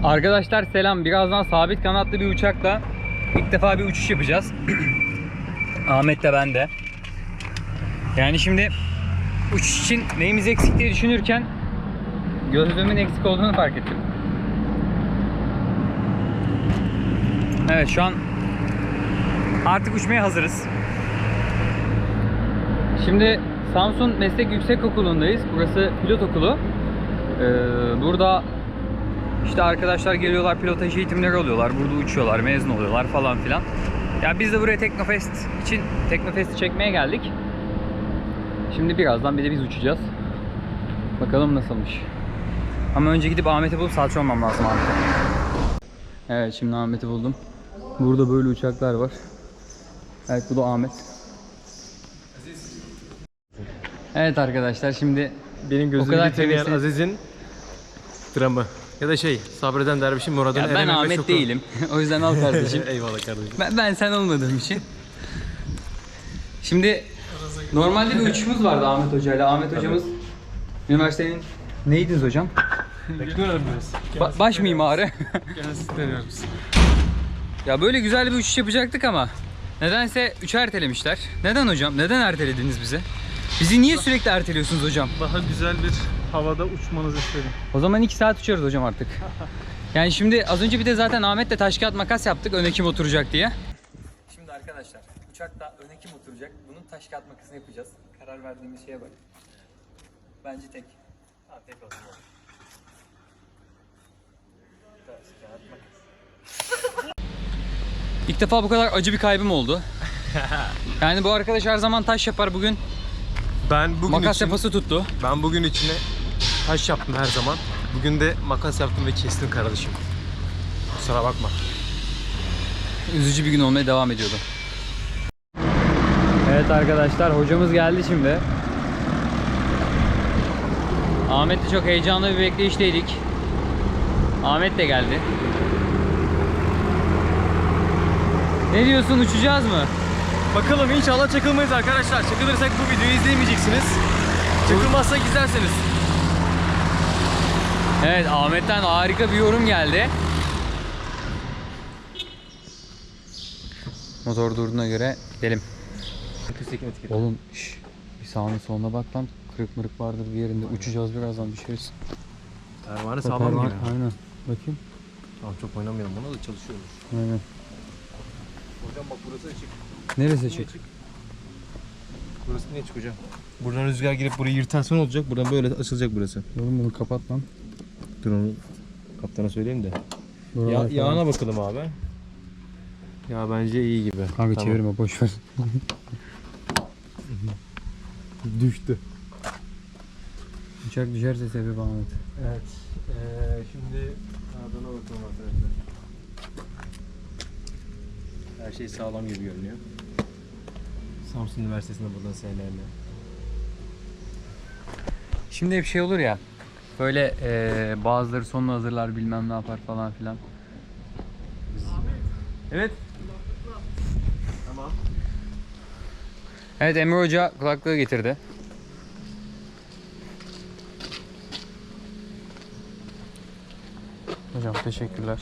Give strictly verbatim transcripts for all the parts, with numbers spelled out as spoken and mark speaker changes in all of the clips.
Speaker 1: Arkadaşlar selam. Birazdan sabit kanatlı bir uçakla ilk defa bir uçuş yapacağız. Ahmet de ben de. Yani şimdi uçuş için neyimiz eksik diye düşünürken gözlüğümün eksik olduğunu fark ettim. Evet, şu an artık uçmaya hazırız. Şimdi Samsun Meslek Yüksekokulu'ndayız. Burası pilot okulu. Ee, burada işte arkadaşlar geliyorlar, pilotaj eğitimleri alıyorlar. Burada uçuyorlar, mezun oluyorlar falan filan. Ya biz de buraya Teknofest için Teknofest'i çekmeye geldik. Şimdi birazdan bir de biz uçacağız. Bakalım nasılmış. Ama önce gidip Ahmet'i bulup salça olmam lazım Ahmet'e. Evet, şimdi Ahmet'i buldum. Burada böyle uçaklar var. Evet, bu da Ahmet. Evet arkadaşlar, şimdi
Speaker 2: benim gözümü getirmeyen Aziz'in dramı. Ya da şey, sabreden dervişin muradını
Speaker 1: ya ben Ahmet şoku. Değilim. O yüzden al kardeşim.
Speaker 2: Eyvallah kardeşim.
Speaker 1: Ben, ben sen olmadığım için. Şimdi normalde bir uçuşumuz vardı Ahmet Hoca ile. Ahmet hocamız üniversitenin neydiniz hocam?
Speaker 2: Teknik öğrenmeniz.
Speaker 1: Ba baş mimarı.
Speaker 2: Kendisi deniyoruz.
Speaker 1: Ya böyle güzel bir uçuş yapacaktık ama nedense üçü ertelemişler. Neden hocam? Neden ertelediniz bizi? Bizi niye sürekli erteliyorsunuz hocam?
Speaker 2: Daha güzel bir havada uçmanızı istedim.
Speaker 1: O zaman iki saat uçuyoruz hocam artık. Yani şimdi az önce bir de zaten Ahmet'le taş kağıt makas yaptık öne kim oturacak diye. Şimdi arkadaşlar uçakta öne kim oturacak? Bunun taş kağıt makasını yapacağız. Karar verdiğimiz şeye bak. Bence tek. Ha, tek olsun. Taş kağıt makas. İlk defa bu kadar acı bir kaybım oldu. Yani bu arkadaş her zaman taş yapar, bugün
Speaker 2: ben bugün
Speaker 1: makas
Speaker 2: için,
Speaker 1: yapası tuttu.
Speaker 2: Ben bugün içine taş yaptım her zaman. Bugün de makas yaptım ve kestim kardeşim. Kusura bakma.
Speaker 1: Üzücü bir gün olmaya devam ediyordu. Evet arkadaşlar, hocamız geldi şimdi. Ahmet'le çok heyecanlı bir bekleyişteydik. Ahmet de geldi. Ne diyorsun, uçacağız mı?
Speaker 2: Bakalım, inşallah çakılmayız arkadaşlar. Çakılırsak bu videoyu izleyemeyeceksiniz. Çakılmazsak izlersiniz.
Speaker 1: Evet, Ahmet'ten harika bir yorum geldi. Motor durduğuna göre gidelim. Oğlum şş, bir sağına soluna bak lan, kırık mırık vardır bir yerinde. Uçacağız birazdan, düşeriz.
Speaker 2: Pervane sağlam gibi.
Speaker 1: Aynen. Bakayım.
Speaker 2: Tamam, çok oynamayalım, buna da çalışıyoruz.
Speaker 1: Aynen.
Speaker 2: Hocam bak, burası açık.
Speaker 1: Neresi açık?
Speaker 2: Burası ne açık hocam? Buradan rüzgar girip burayı yırtarsan olacak. Buradan böyle açılacak burası.
Speaker 1: Oğlum bunu kapat lan.
Speaker 2: Dur, onu kaptana söyleyeyim de.
Speaker 1: Buralar
Speaker 2: Ya, yağına bakalım abi. Ya bence iyi gibi.
Speaker 1: Kanka
Speaker 2: tamam.
Speaker 1: Çevirme, boş ver.
Speaker 2: Düştü.
Speaker 1: Uçak düşerse sebep Ahmet.
Speaker 2: Evet. Ee, şimdi ardına bakalım arkadaşlar. Her şey sağlam gibi görünüyor. Samsun Üniversitesi'nde buradan senelerle.
Speaker 1: Şimdi hep şey olur ya, böyle ee, bazıları sonunu hazırlar, bilmem ne yapar falan filan.
Speaker 2: Evet. Tamam.
Speaker 1: Evet, Emre Hoca kulaklığı getirdi. Hocam teşekkürler.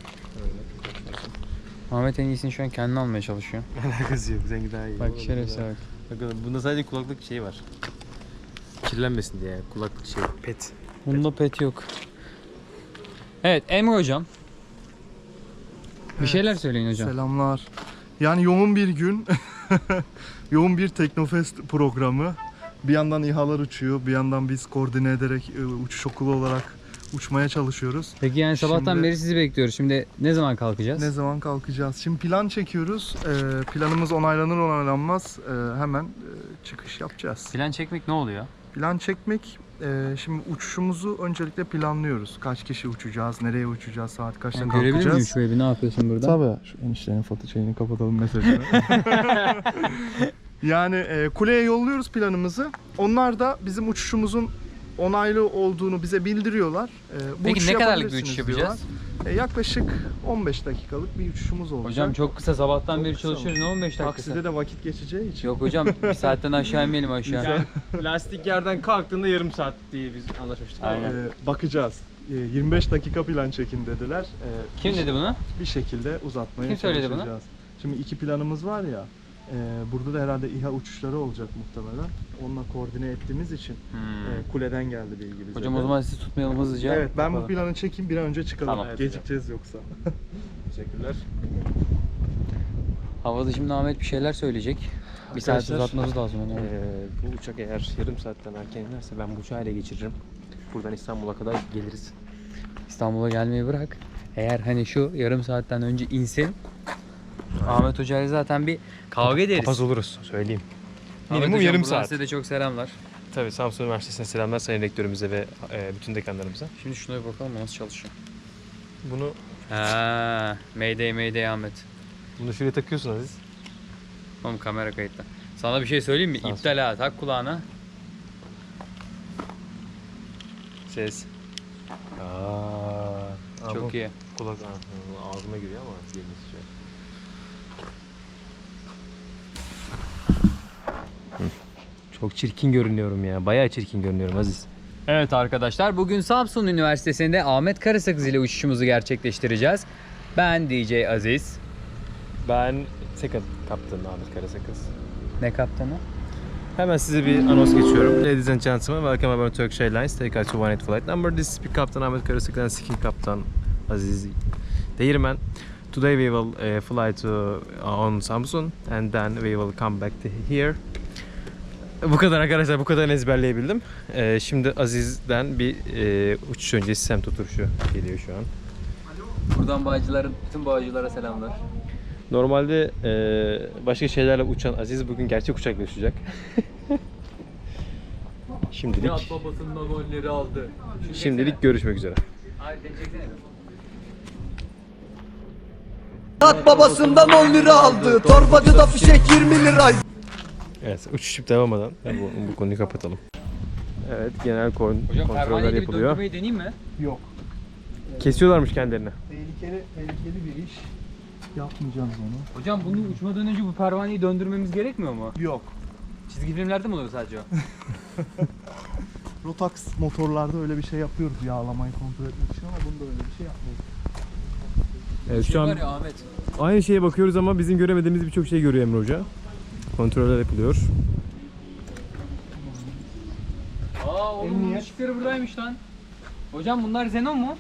Speaker 1: Ahmet en iyisini şu an kendine almaya çalışıyor.
Speaker 2: Alakası yok, seninki daha iyi.
Speaker 1: Bak şerefsiz bak.
Speaker 2: Bakın, bunda sadece kulaklık şey var. Kirlenmesin diye kulaklık şey, pet.
Speaker 1: Bunda pet yok. Evet, Emre Hocam. Bir
Speaker 3: Evet,
Speaker 1: şeyler söyleyin hocam.
Speaker 3: Selamlar. Yani yoğun bir gün, yoğun bir Teknofest programı. Bir yandan İHA'lar uçuyor, bir yandan biz koordine ederek uçuş okulu olarak uçmaya çalışıyoruz.
Speaker 1: Peki yani sabahtan
Speaker 3: Şimdi,
Speaker 1: beri sizi bekliyoruz. Şimdi ne zaman kalkacağız?
Speaker 3: Ne zaman kalkacağız? Şimdi plan çekiyoruz. Ee, planımız onaylanır onaylanmaz ee, hemen e, çıkış yapacağız.
Speaker 1: Plan çekmek ne oluyor?
Speaker 3: Plan çekmek, e, şimdi uçuşumuzu öncelikle planlıyoruz. Kaç kişi uçacağız, nereye uçacağız, saat kaçta
Speaker 1: Yani
Speaker 3: kalkacağız.
Speaker 1: görebilir miyim şurayı? Ne yapıyorsun burada?
Speaker 3: Tabii. Şu eniştenin foto şeyini kapatalım mesajını. Yani e, kuleye yolluyoruz planımızı. Onlar da bizim uçuşumuzun onaylı olduğunu bize bildiriyorlar. E, bu
Speaker 1: Peki
Speaker 3: uçuşu
Speaker 1: ne kadarlık bir
Speaker 3: yapabilirsiniz
Speaker 1: uçuş yapacağız?
Speaker 3: diyorlar. E, yaklaşık on beş dakikalık bir uçuşumuz olacak.
Speaker 1: Hocam çok kısa, sabahtan
Speaker 3: Çok
Speaker 1: beri
Speaker 3: kısa
Speaker 1: çalışıyoruz. Ne on beş dakikası?
Speaker 3: Takside de vakit geçeceği için.
Speaker 1: Yok hocam, bir saatten aşağı inmeyelim aşağı.
Speaker 2: Yani lastik yerden kalktığında yarım saat diye biz anlaşmıştık.
Speaker 1: Aynen.
Speaker 3: E, bakacağız. e, yirmi beş dakika plan çekin dediler. E,
Speaker 1: Kim
Speaker 3: bir-
Speaker 1: dedi bunu?
Speaker 3: Bir şekilde uzatmaya
Speaker 1: Kim söyledi bunu?
Speaker 3: çalışacağız. Şimdi iki planımız var ya. e, burada da herhalde İHA uçuşları olacak muhtemelen. Onunla koordine ettiğimiz için
Speaker 1: Hmm.
Speaker 3: e, kuleden geldi bilgi bize.
Speaker 1: Hocam
Speaker 3: de.
Speaker 1: o zaman sizi tutmayalım hızlıca.
Speaker 3: Evet, ben bu
Speaker 1: Yapalım.
Speaker 3: planı çekeyim, bir an önce çıkalım.
Speaker 1: Tamam.
Speaker 3: Evet, gecikeceğiz yoksa.
Speaker 2: Teşekkürler.
Speaker 1: Havada şimdi Ahmet bir şeyler söyleyecek. Bir saat
Speaker 2: Arkadaşlar,
Speaker 1: uzatmamız lazım onu.
Speaker 2: Ee, bu uçak eğer yarım saatten erken inerse ben bu uçağı ele geçiririm. Buradan İstanbul'a kadar geliriz.
Speaker 1: İstanbul'a gelmeyi bırak. Eğer hani şu yarım saatten önce insin. Ahmet Hoca ile zaten bir kavga ederiz.
Speaker 2: Papaz oluruz söyleyeyim.
Speaker 1: Ahmet
Speaker 2: Minimum
Speaker 1: Hocam,
Speaker 2: yarım
Speaker 1: buradan
Speaker 2: saat.
Speaker 1: Size de çok selamlar.
Speaker 2: Tabii Samsun Üniversitesi'ne selamlar sayın rektörümüze ve e, bütün dekanlarımıza.
Speaker 1: Şimdi şuna bir bakalım nasıl çalışıyor.
Speaker 2: Bunu
Speaker 1: Ha, Mayday Mayday Ahmet.
Speaker 2: bunu şuraya takıyorsun Aziz.
Speaker 1: Oğlum kamera kayıtta. Sana bir şey söyleyeyim mi?
Speaker 2: Sağ ol.
Speaker 1: İptal ha. Tak kulağına. Ses.
Speaker 2: Aa,
Speaker 1: Çok iyi.
Speaker 2: Kulak Aa, ağzıma giriyor ama yerine sıçrıyor. Çok çirkin görünüyorum ya. Bayağı çirkin görünüyorum Aziz.
Speaker 1: Evet arkadaşlar, bugün Samsun Üniversitesi'nde Ahmet Karasakız ile uçuşumuzu gerçekleştireceğiz. Ben D J Aziz.
Speaker 2: Ben second kaptanım Ahmet Karasakız.
Speaker 1: Ne kaptanı?
Speaker 2: Hemen size bir anons geçiyorum. Ladies and gentlemen, welcome aboard Turkish Airlines. Take out to one eight flight number. This is Speak Captain Ahmet Karasakız and Second Captain Aziz Değirmen. Today we will uh, fly to uh, on Samsun and then we will come back to here. Bu kadar arkadaşlar, bu kadar ezberleyebildim. Ee, şimdi Aziz'den bir e, uçuş öncesi semt oturuşu geliyor şu an.
Speaker 1: Buradan bağcıların, bütün bağcılara selamlar.
Speaker 2: Normalde e, başka şeylerle uçan Aziz bugün gerçek uçakla uçacak. Şimdilik
Speaker 1: Nihat babasından golleri aldı. Şunu
Speaker 2: şimdilik
Speaker 1: çeksene.
Speaker 2: görüşmek üzere.
Speaker 1: Hayır, beni çeksene.
Speaker 4: Nihat babasından on lira aldı. Torbacıda fişek yirmi liraydı.
Speaker 2: Evet, uçuşup devam eden bu, bu konuyu kapatalım. Evet, genel kon
Speaker 1: Hocam
Speaker 2: kontroller
Speaker 1: pervaneyi gibi
Speaker 2: yapılıyor.
Speaker 1: döndürmeyi deneyeyim mi?
Speaker 3: Yok.
Speaker 2: Kesiyorlarmış kendilerini.
Speaker 3: Tehlikeli, tehlikeli bir iş. Yapmayacağız onu.
Speaker 1: Hocam bunu uçmadan önce bu pervaneyi döndürmemiz gerekmiyor mu?
Speaker 3: Yok.
Speaker 1: Çizgi filmlerde mi oluyor sadece o?
Speaker 3: Rotax motorlarda öyle bir şey yapıyoruz, yağlamayı kontrol etmek için, ama bunda öyle bir şey yapmıyoruz.
Speaker 2: Evet,
Speaker 1: Şey
Speaker 2: şu an
Speaker 1: var ya Ahmet.
Speaker 2: aynı şeye bakıyoruz ama bizim göremediğimiz birçok şey görüyor Emre Hoca. Kontroller yapılıyor.
Speaker 1: Aa oğlum bunun
Speaker 3: Emniyet.
Speaker 1: ışıkları buradaymış lan. Hocam bunlar Xenon mu?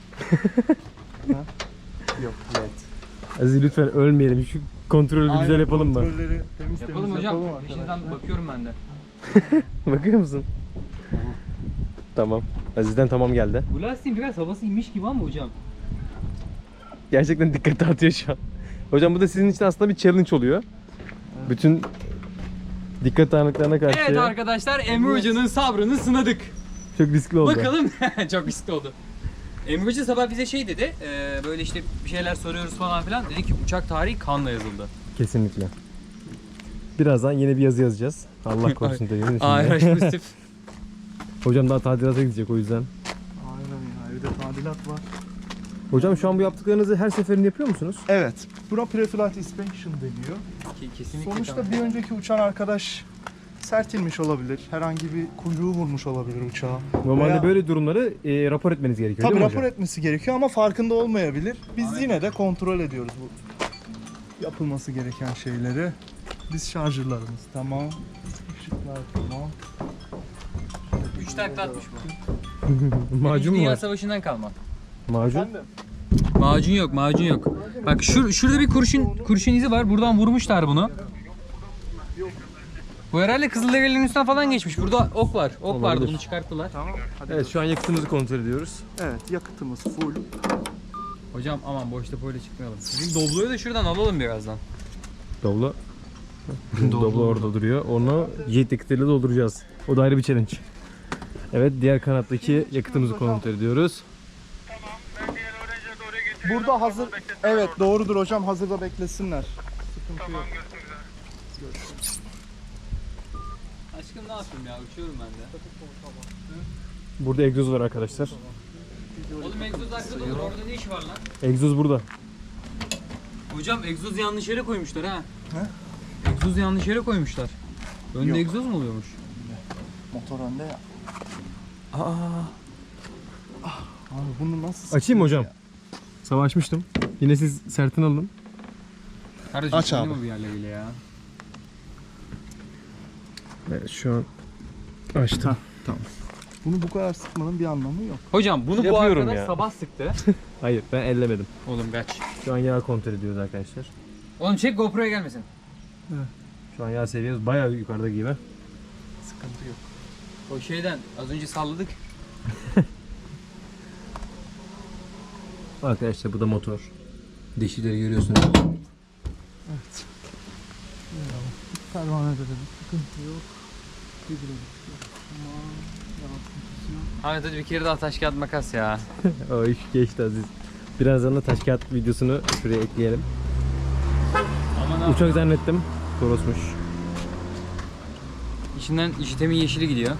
Speaker 3: Yok, evet.
Speaker 2: Aziz lütfen ölmeyelim. Şu kontrolü bir güzel yapalım mı?
Speaker 3: Kontrolleri temiz
Speaker 1: Yapalım
Speaker 3: temiz
Speaker 1: hocam.
Speaker 3: yapalım
Speaker 1: Peşinden
Speaker 3: arkadaşlar.
Speaker 1: bakıyorum ben de.
Speaker 2: Bakıyor musun? Tamam. Aziz'den tamam geldi.
Speaker 1: Bu lastiğin biraz havası inmiş gibi ama hocam.
Speaker 2: Gerçekten dikkat dağıtıyor şu an. Hocam bu da sizin için aslında bir challenge oluyor. Bütün dikkat dağınıklarına karşı
Speaker 1: Evet arkadaşlar, Emre Hoca'nın sabrını sınadık.
Speaker 2: çok riskli oldu.
Speaker 1: Bakalım. Çok riskli oldu. Emre Hoca sabah bize şey dedi. E, böyle işte bir şeyler soruyoruz falan filan. Dedi ki uçak tarihi kanla yazıldı.
Speaker 2: Kesinlikle. Birazdan yeni bir yazı yazacağız. Allah korusun dediğimiz için.
Speaker 1: A R H pozitif.
Speaker 2: Hocam daha tadilata gidecek o yüzden.
Speaker 3: Aynen ya, evde tadilat var.
Speaker 2: Hocam şu an bu yaptıklarınızı her seferinde yapıyor musunuz?
Speaker 3: Evet, buna pre-flight inspection deniyor.
Speaker 1: Ki- Kesinlikle.
Speaker 3: Sonuçta
Speaker 1: tamam.
Speaker 3: bir önceki uçan arkadaş sertilmiş olabilir, herhangi bir kuyruğu vurmuş olabilir uçağa.
Speaker 2: Normalde
Speaker 3: Veya-
Speaker 2: böyle durumları e, rapor etmeniz gerekiyor
Speaker 3: Tabii
Speaker 2: değil mi
Speaker 3: rapor
Speaker 2: hocam?
Speaker 3: etmesi gerekiyor ama farkında olmayabilir. Biz
Speaker 1: Ahmet.
Speaker 3: yine de kontrol ediyoruz bu yapılması gereken şeyleri. Biz şarjörlerimiz tamam, ışıklar tamam.
Speaker 1: Üç takla atmış bu.
Speaker 2: Macun
Speaker 1: İkinci
Speaker 2: mu
Speaker 1: Dünya
Speaker 2: var?
Speaker 1: Savaşı'ndan kalma.
Speaker 2: Macun?
Speaker 3: Efendim?
Speaker 1: Macun yok, macun yok. Bak şur şurada bir kurşun kurşun izi var. Buradan vurmuşlar bunu. Bu herhalde Kızılderililerin üstünden falan geçmiş. Burada ok var. Ok vardı,
Speaker 2: Olabilir.
Speaker 1: bunu çıkarttılar.
Speaker 3: Tamam. Hadi.
Speaker 2: Evet şu an yakıtımızı kontrol ediyoruz.
Speaker 3: Evet, yakıtımız full.
Speaker 1: Hocam aman boş depoyla çıkmayalım. Bizim Doblo'yu da şuradan alalım birazdan.
Speaker 2: Doblo. Doblo orada duruyor. Onu jet yakıtıyla dolduracağız. O da ayrı bir challenge. Evet diğer kanattaki yakıtımızı kontrol ediyoruz.
Speaker 3: Burada hazır. Evet, doğrudur hocam. Hazırda beklesinler. Sıkıntı yok.
Speaker 1: Aşkım ne yapayım ya? Uçuyorum ben de.
Speaker 2: Burada egzoz var arkadaşlar.
Speaker 1: Oğlum egzoz arkada olur. Orada ne iş var lan?
Speaker 2: Egzoz burada.
Speaker 1: Hocam egzoz yanlış yere koymuşlar ha.
Speaker 3: He?
Speaker 1: Egzoz yanlış yere koymuşlar. Önde
Speaker 3: Yok.
Speaker 1: egzoz mu oluyormuş?
Speaker 3: Motor önde ya.
Speaker 1: Aa.
Speaker 3: Abi bunu nasıl
Speaker 2: Açayım mı hocam?
Speaker 3: ya?
Speaker 2: Savaşmıştım. Yine siz sertin alın.
Speaker 1: Kardeşim
Speaker 3: Aç abi.
Speaker 1: mi bir yerleriyle ya?
Speaker 2: Evet şu an açtım.
Speaker 3: Tamam. Bunu bu kadar sıkmanın bir anlamı yok.
Speaker 1: Hocam bunu bu
Speaker 2: Yapıyorum
Speaker 1: arkadaş
Speaker 2: ya.
Speaker 1: sabah sıktı.
Speaker 2: Hayır ben ellemedim.
Speaker 1: Oğlum kaç.
Speaker 2: Şu an yağ kontrol ediyoruz arkadaşlar.
Speaker 1: Oğlum çek GoPro'ya gelmesin.
Speaker 2: Şu an yağ seviyemiz bayağı yukarıda gibi.
Speaker 3: Sıkıntı yok.
Speaker 1: O şeyden az önce salladık.
Speaker 2: Arkadaşlar bu da motor. Dişileri görüyorsunuz.
Speaker 3: Evet. Pervanede de bir sıkıntı yok. Hidrolik yok. Aman yaratmışsın yok.
Speaker 1: Ahmet hadi bir kere daha taş kağıt makas ya.
Speaker 2: O iş geçti Aziz. Birazdan da taş kağıt videosunu şuraya ekleyelim.
Speaker 1: Aman abi.
Speaker 2: Uçak zannettim. Torosmuş.
Speaker 1: İçinden işitemin yeşili gidiyor.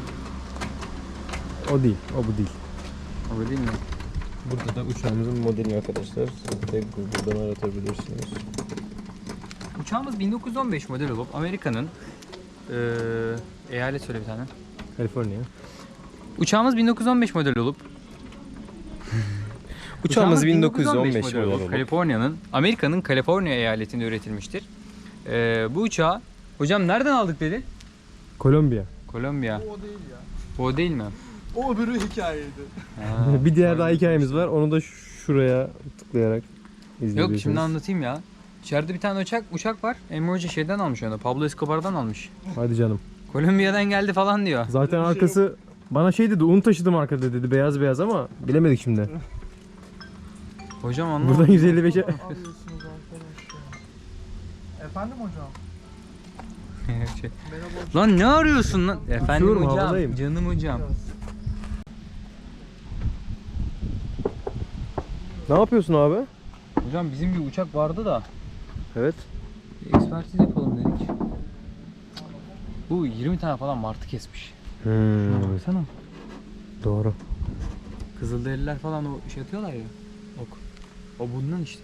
Speaker 2: O değil. O bu değil.
Speaker 1: Öyle değil mi?
Speaker 2: Burada da uçağımızın modeli arkadaşlar. Siz de Google'dan aratabilirsiniz.
Speaker 1: Uçağımız bin dokuz yüz on beş model olup Amerika'nın eee eyalet söyle bir tane.
Speaker 2: Kaliforniya.
Speaker 1: Uçağımız bin dokuz yüz on beş model olup
Speaker 2: Uçağımız bin dokuz yüz on beş model olup
Speaker 1: Kaliforniya'nın Amerika'nın Kaliforniya eyaletinde üretilmiştir. Eee bu uçağı hocam nereden aldık dedi?
Speaker 2: Kolombiya.
Speaker 1: Kolombiya.
Speaker 3: O değil ya.
Speaker 1: O değil mi?
Speaker 3: O öbürü hikayeydi.
Speaker 1: Ha,
Speaker 2: Bir diğer daha
Speaker 1: pardon.
Speaker 2: hikayemiz var. Onu da şuraya tıklayarak izleyebilirsiniz.
Speaker 1: Yok şimdi anlatayım ya. İçeride bir tane uçak uçak var. Emre Hoca şeyden almış onu. Pablo Escobar'dan almış.
Speaker 2: Hadi canım.
Speaker 1: Kolombiya'dan geldi falan diyor.
Speaker 2: Zaten
Speaker 3: Öyle bir şey
Speaker 2: arkası bana şey dedi, un taşıdım arkada dedi, beyaz beyaz ama bilemedik şimdi.
Speaker 1: Hocam anlamadım.
Speaker 2: Buradan yüz elli beşe
Speaker 3: Arıyorsunuz arkadaş ya. Efendim hocam?
Speaker 1: Şey,
Speaker 3: Merhaba hocam.
Speaker 1: lan ne arıyorsun lan? Efendim
Speaker 2: Uçuyorum,
Speaker 1: hocam.
Speaker 2: havadayım.
Speaker 1: Canım hocam.
Speaker 2: Ne yapıyorsun abi?
Speaker 1: Hocam bizim bir uçak vardı da
Speaker 2: Evet.
Speaker 1: bir ekspertiz yapalım dedik. Bu yirmi tane falan martı kesmiş. Şuna
Speaker 2: Hmm,
Speaker 1: baksana.
Speaker 2: doğru.
Speaker 1: Kızılderililer falan o şey atıyorlar ya. Ok. O bundan işte.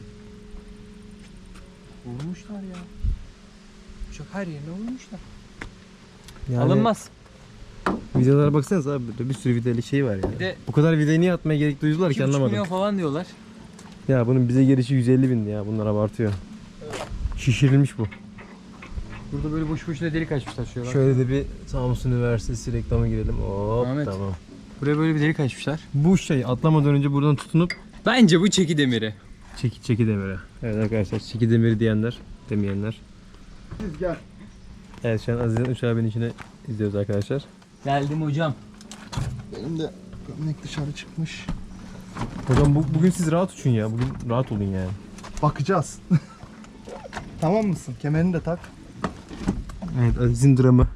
Speaker 1: Vurmuşlar ya. Uçak her yerine vurmuşlar.
Speaker 2: Yani
Speaker 1: Alınmaz.
Speaker 2: Videolara baksanıza abi, burada bir sürü videolu şey var ya.
Speaker 1: Bir de
Speaker 2: Bu kadar videoyu niye atmaya gerek duydular
Speaker 1: iki
Speaker 2: ki
Speaker 1: buçuk
Speaker 2: anlamadım.
Speaker 1: milyon falan diyorlar.
Speaker 2: Ya bunun bize gelişi yüz elli bindi ya, bunlar abartıyor. Şişirilmiş bu.
Speaker 1: Burada böyle boş boşuna delik açmışlar şuraya bak.
Speaker 2: Şöyle de bir Samsun Üniversitesi reklamı girelim. Hop
Speaker 1: Ahmet.
Speaker 2: tamam.
Speaker 1: Buraya böyle bir delik açmışlar.
Speaker 2: Bu şey atlamadan önce buradan tutunup
Speaker 1: Bence bu çeki demiri.
Speaker 2: çeki çeki demiri. Evet arkadaşlar, çeki demiri diyenler, demeyenler.
Speaker 3: Siz gel.
Speaker 2: Evet şu an Aziz'in uçağı binişini izliyoruz arkadaşlar.
Speaker 1: Geldim hocam.
Speaker 3: Benim de gömlek dışarı çıkmış.
Speaker 2: Hocam bu, bugün siz rahat uçun ya. Bugün rahat olun yani.
Speaker 3: Bakacağız. Tamam mısın? Kemerini de tak.
Speaker 2: Evet Aziz'in dramı.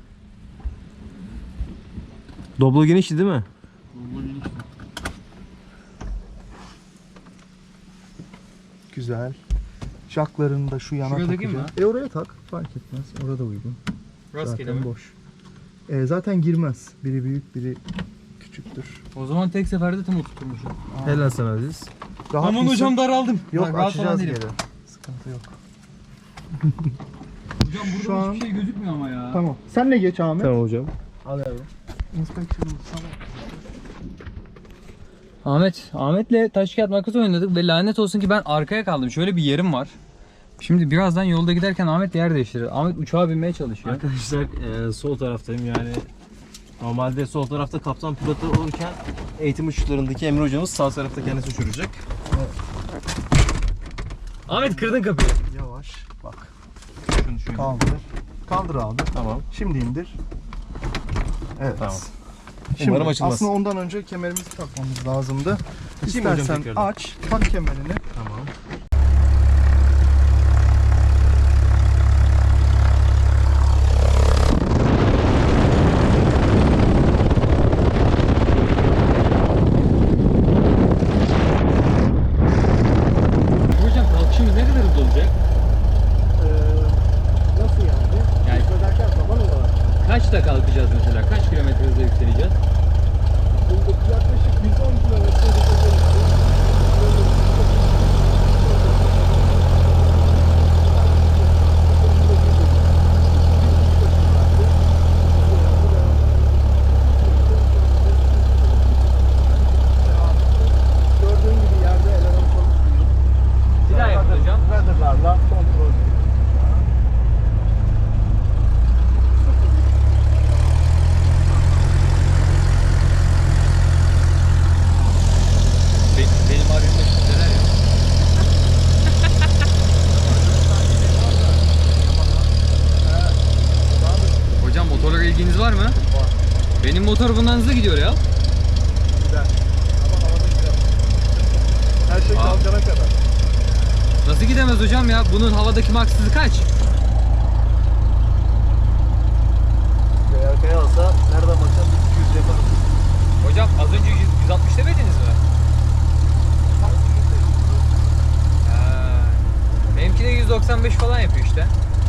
Speaker 2: Doblo genişti değil mi?
Speaker 3: Güzel. Jacklarını da şu yana
Speaker 1: Şuraya takayım
Speaker 3: takacağım. E oraya tak. Fark etmez. Orada uygun.
Speaker 1: Rastgele
Speaker 3: Zaten
Speaker 1: mi?
Speaker 3: boş. E, zaten girmez. Biri büyük, biri küçüktür.
Speaker 1: O zaman tek seferde tüm oturtmuşum.
Speaker 2: Helal sana Aziz.
Speaker 3: Rahat
Speaker 1: Aman
Speaker 3: mısın?
Speaker 1: hocam daraldım.
Speaker 3: Yok,
Speaker 1: Bak, rahat
Speaker 3: açacağız
Speaker 1: falan değilim.
Speaker 3: geri. Sıkıntı yok.
Speaker 1: Hocam burada
Speaker 3: Şu an-
Speaker 1: hiçbir şey gözükmüyor ama ya.
Speaker 3: Tamam. Sen ne geç Ahmet?
Speaker 2: Tamam hocam.
Speaker 3: Al abi. Inspection'ımız sana.
Speaker 1: Ahmet, Ahmet'le taş kağıt makas oynadık ve lanet olsun ki ben arkaya kaldım. Şöyle bir yerim var. Şimdi birazdan yolda giderken Ahmet yer değiştirir. Ahmet uçağa binmeye çalışıyor.
Speaker 2: Arkadaşlar e, sol taraftayım yani. Normalde sol tarafta kaptan pilotu olurken eğitim uçuşlarındaki Emre hocamız sağ tarafta kendisi uçuracak.
Speaker 1: Ahmet kırdın kapıyı.
Speaker 3: Yavaş. Bak.
Speaker 1: Şunu şöyle.
Speaker 3: Kaldır. Kaldır abi.
Speaker 2: Tamam.
Speaker 3: Şimdi indir. Evet.
Speaker 2: Tamam.
Speaker 3: Şimdi
Speaker 2: Umarım açılmaz.
Speaker 3: aslında ondan önce kemerimizi takmamız lazımdı.
Speaker 2: Açayım mı hocam
Speaker 3: İstersen
Speaker 2: tekrardan?
Speaker 3: aç, tak kemerini.
Speaker 2: Tamam.
Speaker 1: Hocam kalkışımız ne kadar hızlı olacak?
Speaker 3: Nasıl yani?
Speaker 1: Yani
Speaker 3: Söylerken zaman olarak.
Speaker 1: kaçta kalkacağız mesela? Kaç kilometre hızla yükseleceğiz?
Speaker 3: Yaklaşık yüz on kilometre
Speaker 1: motor bundan hızlı gidiyor ya.
Speaker 3: Gider. Ama havada gider. Her şey
Speaker 1: Aa.
Speaker 3: kalkana kadar.
Speaker 1: Nasıl gidemez hocam ya? Bunun havadaki max hızı kaç?
Speaker 3: Ve arkaya alsa nereden baksan iki yüz yaparım.
Speaker 1: Hocam az önce yüz, yüz altmış demediniz mi? Ha. Benimki de yüz doksan beş falan yapıyor işte.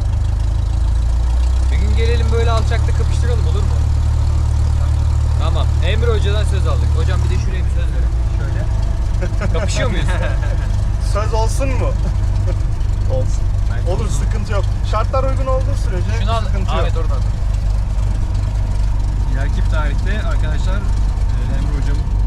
Speaker 1: Bir gün gelelim böyle alçakta kapıştıralım, olur mu? Tamam. Emre Hoca'dan söz aldık. Hocam bir de şuraya bir söz verin. Şöyle. Kapışıyor muyuz?
Speaker 3: Söz olsun mu? Olsun. Olur, sıkıntı yok. Şartlar uygun olduğu sürece
Speaker 1: Şunu al.
Speaker 3: sıkıntı
Speaker 1: Ahmet
Speaker 3: yok.
Speaker 1: oradan.
Speaker 2: İleriki tarihte arkadaşlar e, Emre hocam